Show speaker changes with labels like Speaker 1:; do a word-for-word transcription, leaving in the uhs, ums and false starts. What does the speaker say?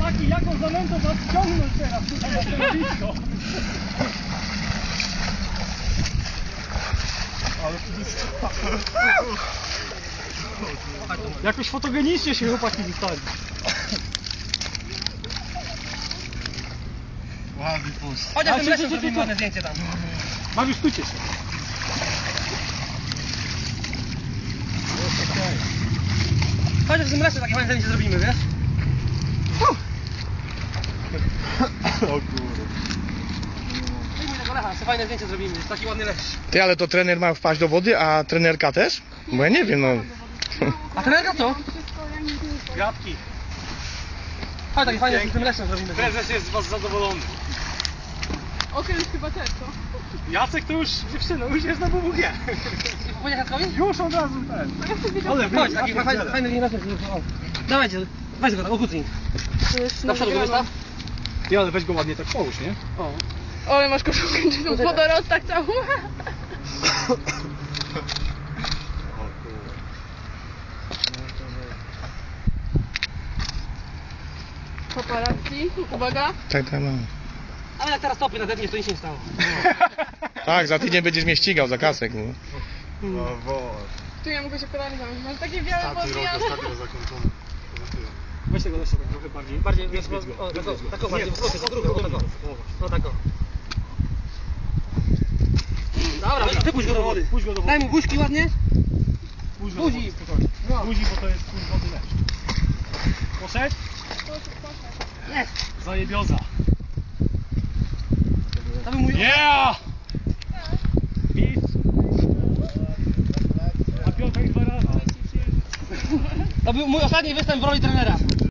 Speaker 1: Chłopaki, jaką zanętą was ściągnąć teraz tutaj na stanowisko? Ale to jakoś fotogenicznie się chłopaki wystali.
Speaker 2: Ładny puść.
Speaker 3: Chodź, ja tym lesem zrobimy ładne zdjęcie tam.
Speaker 1: Mariusz, stójcie się.
Speaker 3: Chodź, w tym lesie takie fajne zdjęcie zrobimy, wiesz?
Speaker 2: O kurde.
Speaker 3: Wyjmuj tego lecha, sobie fajne zdjęcie zrobimy, jest taki ładny les.
Speaker 4: Ty, ale to trener ma wpaść do wody, a trenerka też? Bo ja nie wiem, no.
Speaker 3: A trenerka co?
Speaker 1: Gratki.
Speaker 3: Chodź, takie fajne z tym lesem zrobimy.
Speaker 1: Prezes jest z was zadowolony.
Speaker 5: Okręt chyba też, co?
Speaker 1: Jacek to już dziewczyna, już jest na W W G.
Speaker 3: Powiedzieć Jackowi?
Speaker 1: Już od razu ten. Ale
Speaker 3: Chodź, taki fajny, fajny les. Dawajcie, weź go tam, okucnij. Na przodu go wystaw.
Speaker 1: Ty, ale weź go ładnie tak połóż, nie?
Speaker 3: O.
Speaker 5: Ale masz koszulkę, czy tą wodorostak tak całą. Paparazzi, uwaga.
Speaker 4: Tak, tak, no.
Speaker 3: Ale jak teraz topy nadetniesz, to nic się nie stało.
Speaker 4: Tak, za tydzień będziesz mnie ścigał za kasek, no.
Speaker 2: O Boże.
Speaker 5: Tu ja mogę się kolanie zamknąć. Masz takie białe
Speaker 2: Ostatni rok,
Speaker 5: podwijane.
Speaker 2: ostatnio zakończony.
Speaker 1: Weź tego lesa tak trochę bardziej.
Speaker 3: Bardziej,
Speaker 1: Więc
Speaker 3: więc,
Speaker 1: go.
Speaker 3: o, tak, o, tak, o,
Speaker 1: Nie,
Speaker 3: bardziej,
Speaker 1: w
Speaker 3: o, tak, o, tak, o. No tak, o. Dobra, wypuść go do wody.
Speaker 1: Puść go do wody.
Speaker 3: Daj mu buźki ładnie.
Speaker 1: Puść go do
Speaker 3: buzi.
Speaker 1: wody, spokojnie. Buzi, bo to jest pół wody lepszy. Poszedł?
Speaker 3: Jest.
Speaker 1: Zajebioza.
Speaker 3: To był mój...
Speaker 1: Yeah! Pis. A Piotrek dwa razy.
Speaker 3: To był mój ostatni występ w roli trenera.